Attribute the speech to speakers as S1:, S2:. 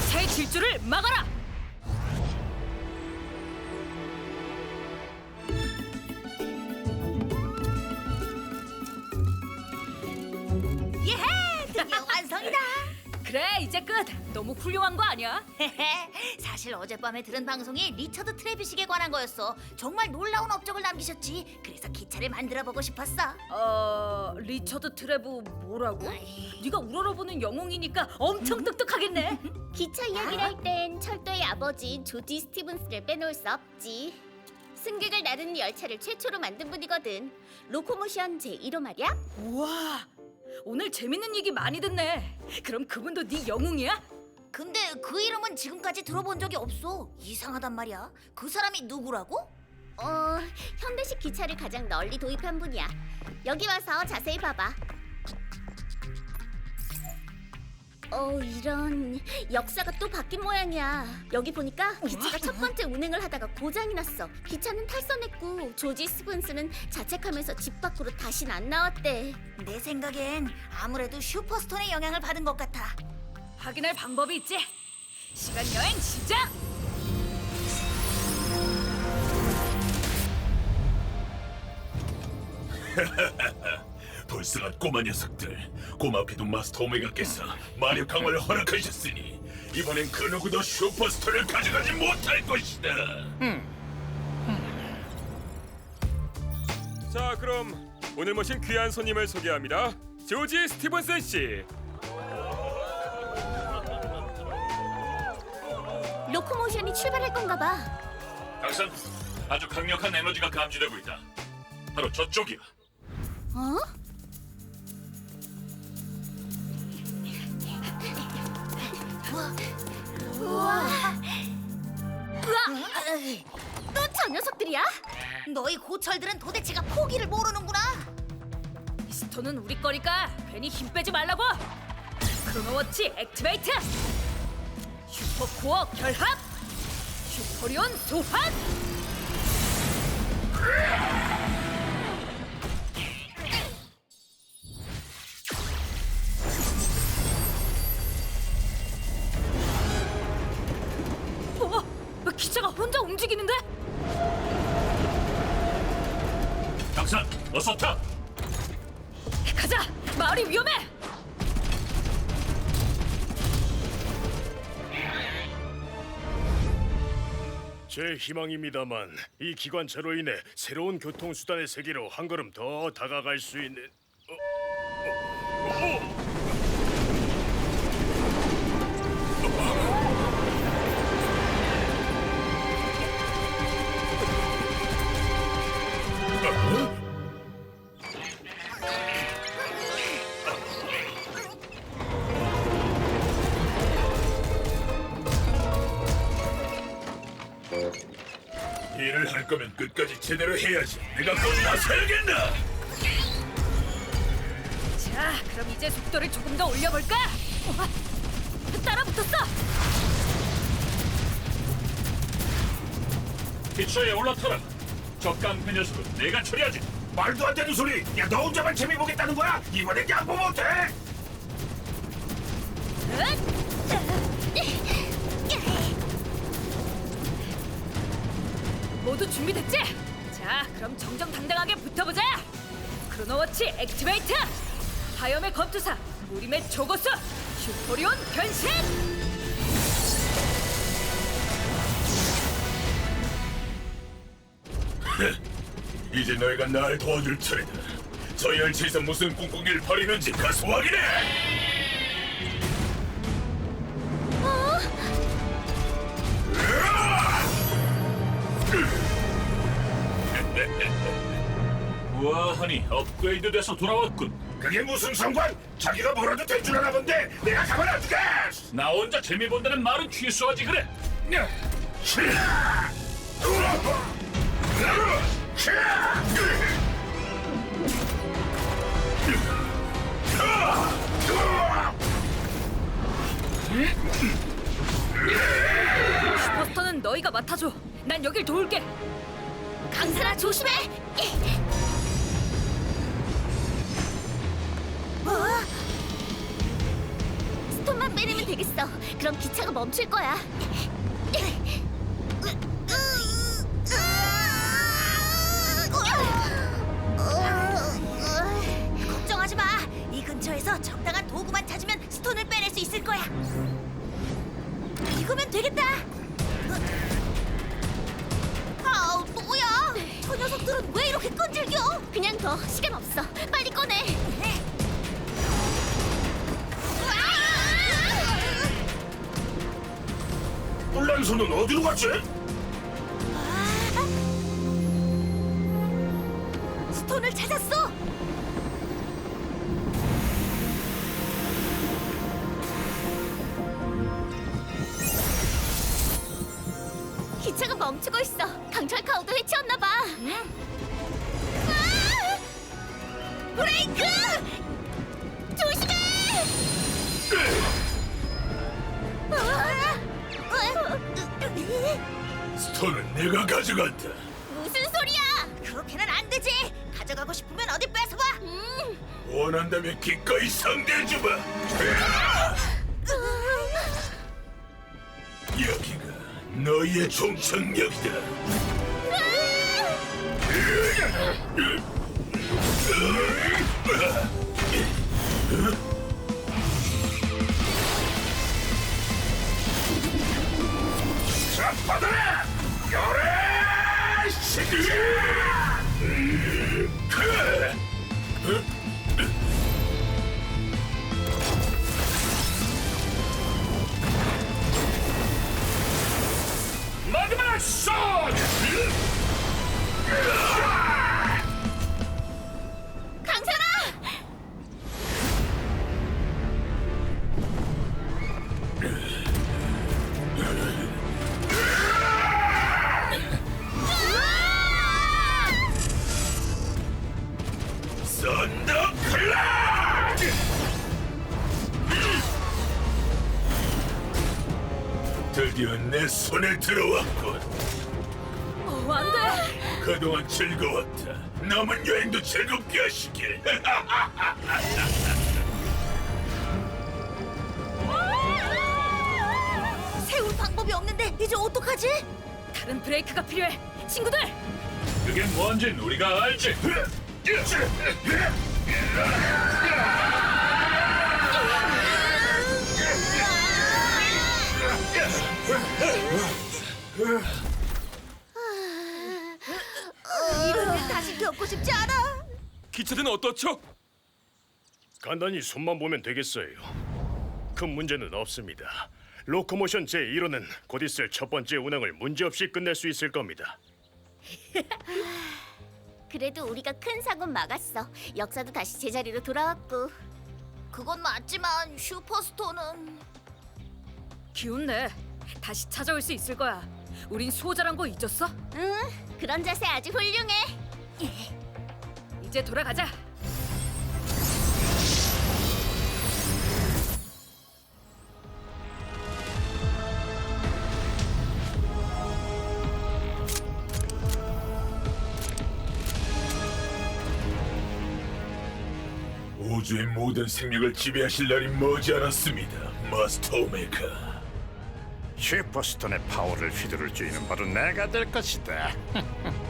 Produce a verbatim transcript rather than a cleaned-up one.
S1: 기차의 질주를 막아라!
S2: 예헤! 드디어 완성이다!
S1: 그래, 이제 끝! 너무 훌륭한 거 아니야?
S2: 사실 어젯밤에 들은 방송이 리처드 트래비식에 관한 거였어. 정말 놀라운 업적을 남기셨지. 그래서 기차를 만들어보고 싶었어.
S1: 어... 리처드 트레브 뭐라고? 네가 우러러보는 영웅이니까 엄청 똑똑하겠네.
S3: 기차 이야기를 할 땐 철도의 아버지 조지 스티븐스를 빼놓을 수 없지. 승객을 나르는 열차를 최초로 만든 분이거든. 로코모션 제일 호 말이야.
S1: 우와, 오늘 재밌는 얘기 많이 듣네. 그럼 그분도 네 영웅이야?
S2: 근데 그 이름은 지금까지 들어본 적이 없어. 이상하단 말이야. 그 사람이 누구라고?
S3: 어, 현대식 기차를 가장 널리 도입한 분이야. 여기 와서 자세히 봐봐. 어, 이런 역사가 또 바뀐 모양이야. 여기 보니까 기차가 첫 번째 운행을 하다가 고장이 났어. 기차는 탈선했고 조지 스븐스는 자책하면서 집 밖으로 다신 안 나왔대.
S2: 내 생각엔 아무래도 슈퍼스톤의 영향을 받은 것 같아.
S1: 확인할 방법이 있지. 시간 여행 시작!
S4: 불쌍한 꼬마 녀석들. 고맙게도 마스터 오메가께서 마력 강화를 허락하셨으니 이번엔 그 누구도 슈퍼스타를 가져가지 못할 것이다.
S5: 자, 그럼 오늘 모신 귀한 손님을 소개합니다. 조지 스티븐슨 씨.
S3: 로코모션이 출발할 건가 봐.
S4: 당선, 아주 강력한 에너지가 감지되고 있다. 바로 저쪽이야.
S3: 어? 우와. 또 저 녀석들이야?
S2: 너희 고철들은 도대체가 포기를 모르는구나.
S1: 스톤은 우리 거니까 괜히 힘 빼지 말라고! 크로노워치 액티베이트! 슈퍼코어 결합! 슈퍼리온 소환! 어? 기차가 혼자 움직이는데?
S4: 당선, 어서 타!
S1: 가자! 마을이 위험해!
S6: 제 희망입니다만 이 기관차로 인해 새로운 교통수단의 세계로 한 걸음 더 다가갈 수 있는 어, 어, 어.
S4: 일을 할 거면 끝까지 제대로 해야지. 내가 꼭 나서야겠나?
S1: 자, 그럼 이제 속도를 조금 더 올려볼까? 우와, 따라붙었어!
S4: 기차에 올라타라. 저 깡패 녀석은 내가 처리하지. 말도 안 되는 소리. 야, 너 혼자만 재미 보겠다는 거야? 이번엔 양보 못해.
S1: 모두 준비됐지? 자, 그럼 정정당당하게 붙어보자! 크로노워치 액티베이트! 하염의 검투사, 무림의 초고수, 슈퍼리온 변신!
S4: 이제 너희가 날 도와줄 차례다. 저 열차에서 무슨 꿍꿍이를 벌이는지 가서 확인해. 우아하니 업그레이드 돼서 돌아왔군. 그게 무슨 상관? 자기가 뭐라도 된 줄 아나 본데 내가 가만 안 두게. 나 혼자 재미 본다는 말은 취소하지 그래.
S1: 슈퍼스터는 너희가 맡아줘. 난 여길 도울게.
S3: 강사라 조심해. 스톤만 살짝만 빼내면 되겠어. 그럼 기차가 멈출 거야.
S2: 걱정하지 마. 이 근처에서 적당한 도구만 찾으면 스톤을 빼낼 수 있을 거야. 이거면 되겠다. 아우 뭐야? 저 녀석들은 왜 이렇게 끈질겨?
S3: 그냥 더 시간 없어. 빨리 꺼내.
S4: 혼란선은 어디로 갔지?
S2: 스톤을 찾았어.
S3: 기차가 멈추고 있어. 강철 카우도 해치웠나 봐. 아! 브레이크! 조심해!
S4: 스톤은 내가 가져간다.
S3: 무슨 소리야?
S2: 그렇게는 안 되지. 가져가고 싶으면 어디 뺏어봐.
S3: 음.
S4: 원한다면 기꺼이 상대해주마. 여기가 너희의 종착역이다. 자, 받아라! 열애! 시기! 마지막 쏜!
S3: 강산아!
S4: 썬더 클락! 드디어 내 손에 들어왔군.
S1: 어, 안 돼.
S4: 그동안 즐거웠다. 남은 여행도 즐겁게 하시길.
S2: 세울 방법이 없는데 이제 어떡하지?
S1: 다른 브레이크가 필요해. 친구들,
S4: 그게 뭔진 우리가 알지.
S2: 이런 일 다시 겪고 싶지 않아.
S5: 기차는 어떻죠?
S6: 간단히 손만 보면 되겠어요. 큰 문제는 없습니다. 로코모션 제일 호는 곧 있을 첫 번째 운항을 문제없이 끝낼 수 있을 겁니다.
S3: 그래도 우리가 큰 사고는 막았어. 역사도 다시 제자리로 돌아왔고.
S2: 그건 맞지만 슈퍼스톤은
S1: 기운 내. 다시 찾아올 수 있을 거야. 우린 수호자란 거 잊었어?
S3: 응, 그런 자세 아주 훌륭해.
S1: 이제 돌아가자.
S4: 우주의 모든 생명을 지배하실 날이 머지않았습니다, 마스터 오메가.
S7: 슈퍼스톤의 파워를 휘두를 주인은 바로 내가 될 것이다.